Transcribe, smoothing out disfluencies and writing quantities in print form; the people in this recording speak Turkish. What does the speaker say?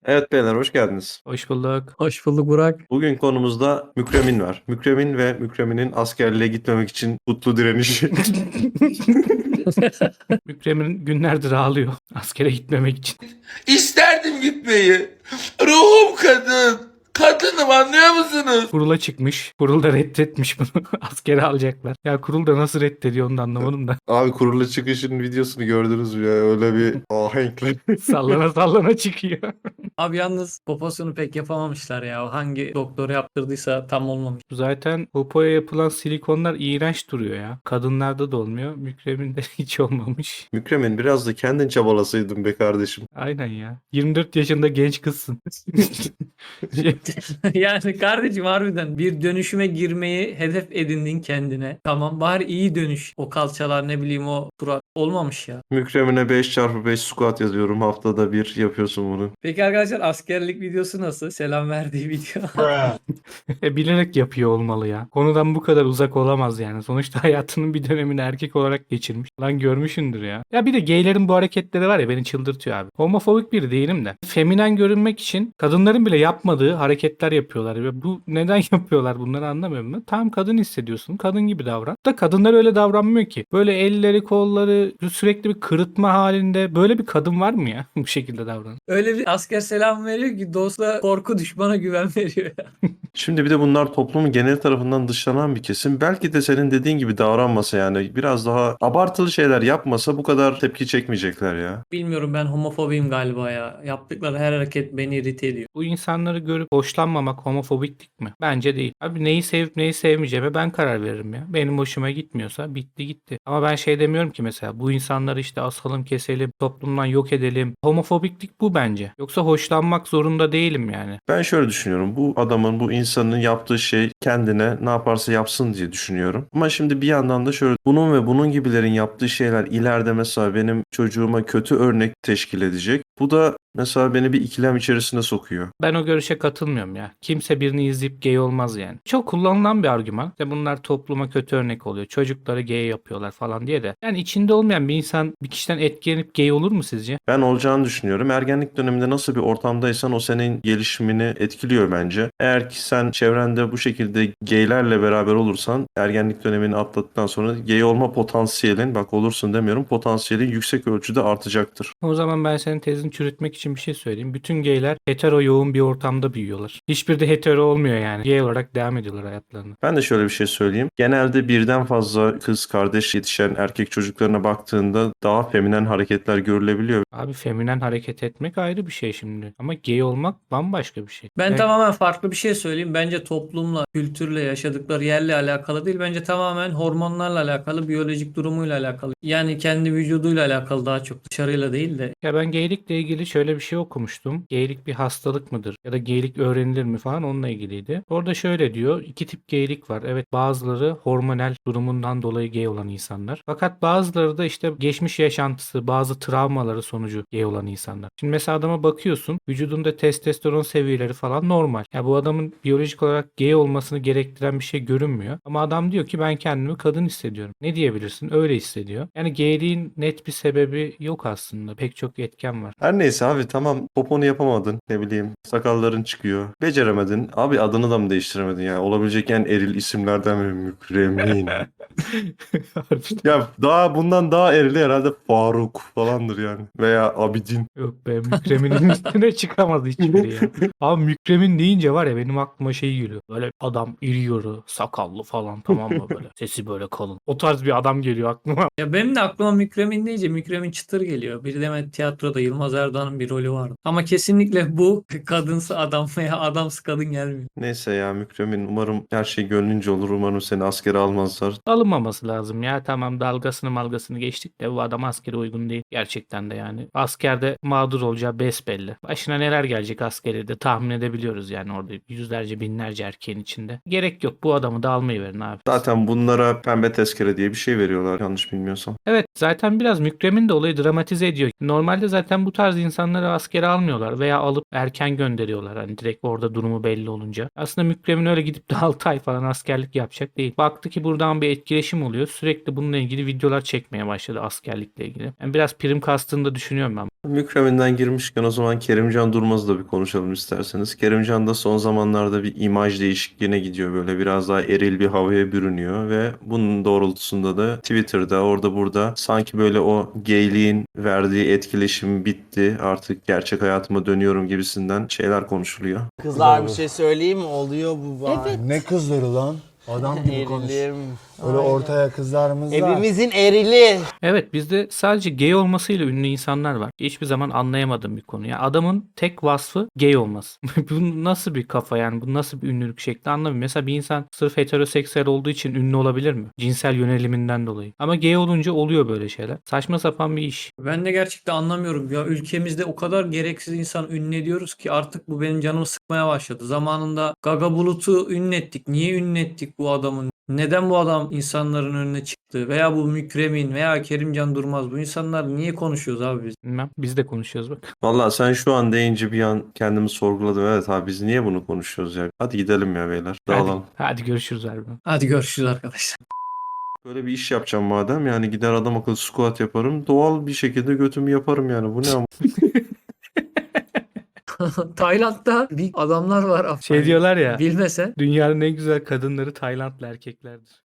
Evet beyler hoş geldiniz. Hoş bulduk. Hoş bulduk Burak. Bugün konumuzda Mükremin var. Mükremin ve Mükremin'in askerliğe gitmemek için kutlu direnişi. Mükremin günlerdir ağlıyor askere gitmemek için. İsterdim gitmeyi. Ruhum kadın. Kadınım, anlıyor musunuz? Kurula çıkmış. Kurul da reddetmiş bunu. Askere alacaklar. Ya kurul da nasıl reddediyor onu da anlamadım da. Abi kurula çıkışın videosunu gördünüz mü ya? Öyle bir ahenkle. Sallana sallana çıkıyor. Abi yalnız poposunu pek yapamamışlar ya. O hangi doktor yaptırdıysa tam olmamış. Zaten popoya yapılan silikonlar iğrenç duruyor ya. Kadınlarda da olmuyor. Mükreminde hiç olmamış. Mükremin biraz da kendin çabalasaydın be kardeşim. Aynen ya. 24 yaşında genç kızsın. Şey, Yani kardeşim harbiden bir dönüşüme girmeyi hedef edindin kendine. Tamam bari iyi dönüş. O kalçalar ne bileyim o surat olmamış ya. Mükremin'e 5x5 squat yazıyorum. Haftada bir yapıyorsun bunu. Peki arkadaşlar askerlik videosu nasıl? Selam verdiği video. bilerek yapıyor olmalı ya. Konudan bu kadar uzak olamaz yani. Sonuçta hayatının bir dönemini erkek olarak geçirmiş. Lan görmüşündür ya. Ya bir de gaylerin bu hareketleri var ya beni çıldırtıyor abi. Homofobik biri değilim de. Feminen görünmek için kadınların bile yapmadığı hareketler yapıyorlar. Ve bu neden yapıyorlar bunları anlamıyorum ben. Tam kadın hissediyorsun. Kadın gibi davran. Da kadınlar öyle davranmıyor ki. Böyle elleri kolları sürekli bir kırıtma halinde. Böyle bir kadın var mı ya? Bu şekilde davran. Öyle bir asker selam veriyor ki dosta korku düşmana güven veriyor ya. Şimdi bir de bunlar toplumun genel tarafından dışlanan bir kesim. Belki de senin dediğin gibi davranmasa yani biraz daha abartılı şeyler yapmasa bu kadar tepki çekmeyecekler ya. Bilmiyorum ben homofobiyim galiba ya. Yaptıkları her hareket beni irite ediyor. Bu insanları görüp hoşlanmamak homofobiklik mi? Bence değil. Abi neyi sevip neyi sevmeyeceğime ben karar veririm ya. Benim hoşuma gitmiyorsa bitti gitti. Ama ben şey demiyorum ki mesela bu insanları işte asalım keselim, toplumdan yok edelim. Homofobiklik bu bence. Yoksa hoşlanmak zorunda değilim yani. Ben şöyle düşünüyorum. Bu adamın, bu insanın yaptığı şey kendine ne yaparsa yapsın diye düşünüyorum. Ama şimdi bir yandan da şöyle bunun ve bunun gibilerin yaptığı şeyler ileride mesela benim çocuğuma kötü örnek teşkil edecek. Bu da mesela beni bir ikilem içerisine sokuyor. Ben o görüşe katılmıyorum ya. Kimse birini izleyip gay olmaz yani. Çok kullanılan bir argüman. İşte bunlar topluma kötü örnek oluyor. Çocukları gay yapıyorlar falan diye de. Yani içinde olmayan bir insan bir kişiden etkilenip gay olur mu sizce? Ben olacağını düşünüyorum. Ergenlik döneminde nasıl bir ortamdaysan o senin gelişimini etkiliyor bence. Eğer ki sen çevrende bu şekilde gaylerle beraber olursan ergenlik dönemini atlattıktan sonra gay olma potansiyelin, bak olursun demiyorum, potansiyelin yüksek ölçüde artacaktır. O zaman ben senin tezini çürütmek için bir şey söyleyeyim. Bütün gayler hetero yoğun bir ortamda büyüyorlar. Hiçbir de hetero olmuyor yani. Gay olarak devam ediyorlar hayatlarına. Ben de şöyle bir şey söyleyeyim. Genelde birden fazla kız kardeş yetişen erkek çocuklarına baktığında daha feminen hareketler görülebiliyor. Abi feminen hareket etmek ayrı bir şey şimdi. Ama gay olmak bambaşka bir şey. Ben Evet. tamamen farklı bir şey söyleyeyim. Bence toplumla, kültürle, yaşadıkları yerle alakalı değil. Bence tamamen hormonlarla alakalı, biyolojik durumuyla alakalı. Yani kendi vücuduyla alakalı daha çok dışarıyla değil de. Ya ben geylikle ilgili şöyle bir şey okumuştum. Geylik bir hastalık mıdır? Ya da geylik öğrenilir mi falan onunla ilgiliydi. Orada şöyle diyor. İki tip geylik var. Evet bazıları hormonal durumundan dolayı gay olan insanlar. Fakat bazıları da işte geçmiş yaşantısı, bazı travmaları sonucu gay olan insanlar. Şimdi mesela adama bakıyorsun. Vücudunda testosteron seviyeleri falan normal. Ya bu adamın biyolojik olarak gay olmasını gerektiren bir şey görünmüyor. Ama adam diyor ki ben kendimi kadın hissediyorum. Ne diyebilirsin? Öyle hissediyor. Yani gayliğin net bir sebebi yok aslında. Pek çok etken var. Her neyse abi tamam poponu yapamadın ne bileyim sakalların çıkıyor. Beceremedin. Abi adını da mı değiştiremedin ya? Olabilecek en eril isimlerden biri Mükremin. Harbiden. Ya daha bundan daha erili herhalde Faruk falandır yani. Veya Abidin. Yok be Mükremin'in üstüne çıkamaz hiçbiri ya. Abi Mükremin deyince var ya benim aklıma şey geliyor. Böyle adam iri yarı, sakallı falan tamam mı böyle. Sesi böyle kalın. O tarz bir adam geliyor aklıma. Ya benim de aklıma Mükremin deyince Mükremin Çıtır geliyor. Bir de tiyatroda Yılmaz Erdoğan'ın bir rolü vardı. Ama kesinlikle bu kadınsı adam veya adamsı kadın gelmiyor. Neyse ya Mükremin umarım her şey gönlünce olur. Umarım seni askere almazlar. Alınmaması lazım ya. Tamam dalgasını malgasını geçtik de bu adam askere uygun değil. Gerçekten de yani. Askerde mağdur olacağı besbelli. Başına neler gelecek askeri de tahmin edebiliyoruz yani orada yüzlerce binlerce erkeğin içinde. Gerek yok bu adamı da almayı verin abi. Zaten bunlara pembe tezkere diye bir şey veriyorlar yanlış bilmiyorsam. Evet zaten biraz Mükremin de olayı dramatize ediyor. Normalde zaten bu tarz insanların insanları askere almıyorlar veya alıp erken gönderiyorlar. Hani direkt orada durumu belli olunca. Aslında Mükremin öyle gidip de 6 ay falan askerlik yapacak değil. Baktı ki buradan bir etkileşim oluyor. Sürekli bununla ilgili videolar çekmeye başladı askerlikle ilgili. Yani biraz prim kastığını da düşünüyorum ben. Mükreminden girmişken o zaman Kerimcan Durmaz'ı da bir konuşalım isterseniz. Kerimcan da son zamanlarda bir imaj değişikliğine gidiyor. Böyle biraz daha eril bir havaya bürünüyor ve bunun doğrultusunda da Twitter'da orada burada sanki böyle o gayliğin verdiği etkileşim bitti. Artık gerçek hayatıma dönüyorum gibisinden şeyler konuşuluyor. Kızlar bir şey söyleyeyim mi? Oluyor bu var. Evet. Ne kızları lan? Adam gibi konuş. Erilim. Öyle ortaya kızlarımız var. Evimizin erili. Evet, bizde sadece gay olmasıyla ünlü insanlar var. Hiçbir zaman anlayamadığım bir konu. Yani adamın tek vasfı gay olması. Bu nasıl bir kafa yani? Bu nasıl bir ünlülük şekli anlamıyorum. Mesela bir insan sırf heteroseksüel olduğu için ünlü olabilir mi? Cinsel yöneliminden dolayı. Ama gay olunca oluyor böyle şeyler. Saçma sapan bir iş. Ben de gerçekten anlamıyorum ya, ülkemizde o kadar gereksiz insan ünlediyoruz ki artık bu benim canımı sıkmaya başladı. Zamanında Gaga Bulut'u ünlettik. Niye ünlettik bu adamın? Neden bu adam insanların önüne çıktı? Veya bu Mükremin veya Kerimcan Durmaz, bu insanlar niye konuşuyoruz abi biz? Bilmem. Biz de konuşuyoruz bak. Valla sen şu an deyince bir an kendimi sorguladım. Evet abi biz niye bunu konuşuyoruz ya? Hadi gidelim ya beyler. Dağılalım. Hadi görüşürüz harbiden. Hadi görüşürüz arkadaşlar. Böyle bir iş yapacağım madem yani gider adam akıllı squat yaparım. Doğal bir şekilde götümü yaparım yani. Bu ne ama? Tayland'da bir adamlar var. Şey diyorlar ya. Bilmesen. Dünyanın en güzel kadınları Taylandlı erkeklerdir.